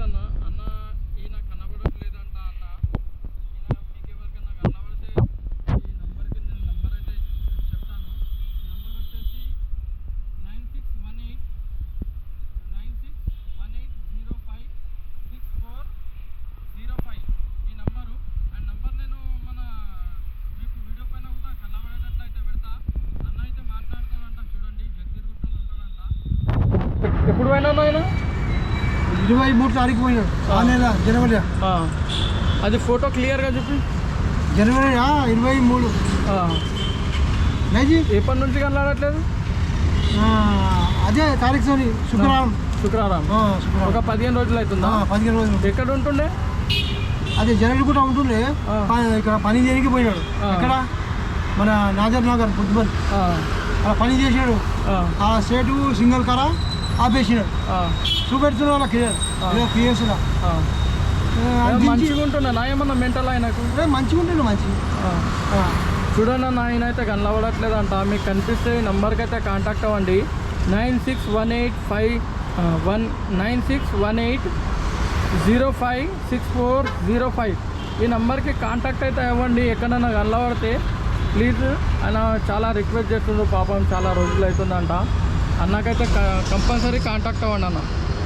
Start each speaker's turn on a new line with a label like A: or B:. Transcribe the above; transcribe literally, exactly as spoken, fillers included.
A: అన్న అన్న ఈయన కనబడట్లేదంట అన్న ఈయన మీకు ఎవరికైనా కనబడితే ఈ నంబర్కి నేను నంబర్ అయితే చెప్తాను. నంబర్ వచ్చేసి nine six one eight nine six one eight zero five six four zero five ఈ నంబరు. అండ్ నంబర్ నేను మన మీకు వీడియో పైన కూడా కనబడేటట్లు అయితే పెడతా. అన్న అయితే మాట్లాడతాడంట, చూడండి జగ్గిరుగుట్టలో ఉంటాడంట. ఎప్పుడు పోయినా ఆయన
B: ఇరవై మూడు తారీఖు పోయినాడు ఆ నెల జనవరి.
A: అది ఫోటో క్లియర్గా చూపి.
B: జనవరి ఇరవై మూడు నైజీ
A: ఎప్పటి నుంచి కనలాడట్లేదు.
B: అదే తారీఖు సోని శుక్రవారం
A: శుక్రవారం ఒక పదిహేను రోజులు అవుతుందా?
B: పదిహేను రోజులు.
A: ఎక్కడ ఉంటుండే?
B: అదే జనవరి కూడా ఉంటుండే. ఇక్కడ పని చేయడానికి పోయినాడు. ఇక్కడ మన నాజర్ నగర్ బుద్ధిపల్లి అలా పని చేసాడు. ఆ స్టేటు సింగల్ కార ఆపేసినాడు. చూపెడుతున్నా వాళ్ళ క్లియర్ క్లియర్స్
A: మంచిగా ఉంటున్నా నా ఏమన్నా మెంటల్ ఆయనకు
B: మంచిగా ఉంటుండే మంచి.
A: చూడండి అన్న ఆయన అయితే కనబడట్లేదంట. మీకు కనిపిస్తే ఈ నెంబర్కి అయితే కాంటాక్ట్ అవ్వండి. Nine six one eight five one nine six one eight zero five six four zero five ఈ నెంబర్కి కాంటాక్ట్ అయితే అవ్వండి. ఎక్కడైనా కనబడితే ప్లీజ్ ఆయన చాలా రిక్వెస్ట్ చేస్తుండ్రు, పాపం చాలా రోజులు అవుతుందంట. అన్నకైతే కంపల్సరీ కాంటాక్ట్ అవ్వండి అన్న.